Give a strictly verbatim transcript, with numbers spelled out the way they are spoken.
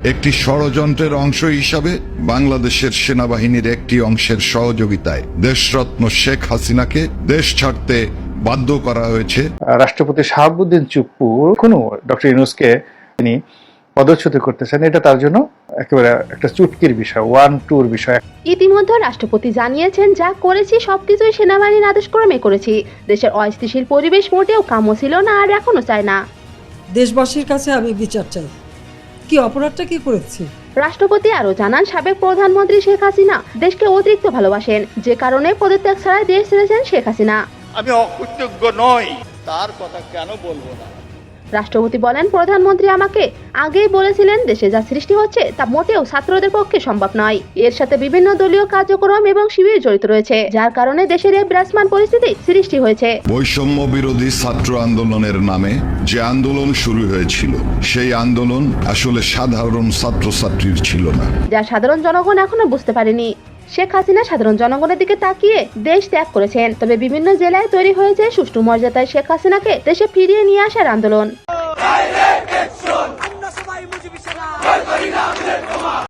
একটি ষড়যন্ত্রের অংশ হিসাবে বাংলাদেশের সেনাবাহিনীর একটি অংশের সহযোগিতায় দেশরত্ন শেখ হাসিনাকে দেশ ছাড়তে বাধ্য করা হয়েছে। রাষ্ট্রপতি শাহাবুদ্দিন চুপ্পু কোনো ডক্টর ইউনূসকে তিনি পদচ্যুত করতেছেন, এটা তার জন্য একেবারে একটা চুটকির বিষয়, ওয়ান টুর বিষয়। ইতিমধ্যে রাষ্ট্রপতি জানিয়েছেন, যা করেছি সবকিছুই সেনাবাহিনীর আদেশক্রমে করেছি। দেশের অস্থিতিশীল পরিবেশ মোটেও কাম্য ছিল না, আর এখনো চায় না। দেশবাসীর কাছে আমি বিচার চাই, কি অপরাধটা কি করেছি। রাষ্ট্রপতি আরো জানান, সাবেক প্রধানমন্ত্রী শেখ হাসিনা দেশকে অতিরিক্ত ভালোবাসেন, যে কারণে পদত্যাগ ছাড়াই দেশ ছেড়েছেন শেখ হাসিনা। আমি অকৃতজ্ঞ নই, তার কথা কেন বলবো না। রাষ্ট্রপতি বলেন, প্রধানমন্ত্রী আমাকে আগেই বলেছিলেন দেশে যা সৃষ্টি হচ্ছে তা মোটেও ছাত্রদের পক্ষে সম্ভব নয়। এর সাথে বিভিন্ন দলীয় কার্যক্রম এবং শিবির জড়িত রয়েছে, যার কারণে দেশের এই বিরাজমান পরিস্থিতি সৃষ্টি হয়েছে। বৈষম্য বিরোধী ছাত্র আন্দোলনের নামে যে আন্দোলন শুরু হয়েছিল, সেই আন্দোলন আসলে সাধারণ ছাত্রছাত্রীর ছিল না, যা সাধারণ জনগণ এখনো বুঝতে পারেনি। শেখ হাসিনা সাধারণ জনগণের দিকে তাকিয়ে দেশ ত্যাগ করেছেন, তবে বিভিন্ন জেলায় তৈরি হয়েছে সুষ্ঠু মর্যাদায় শেখ হাসিনাকে দেশে ফিরিয়ে নিয়ে আসার আন্দোলন।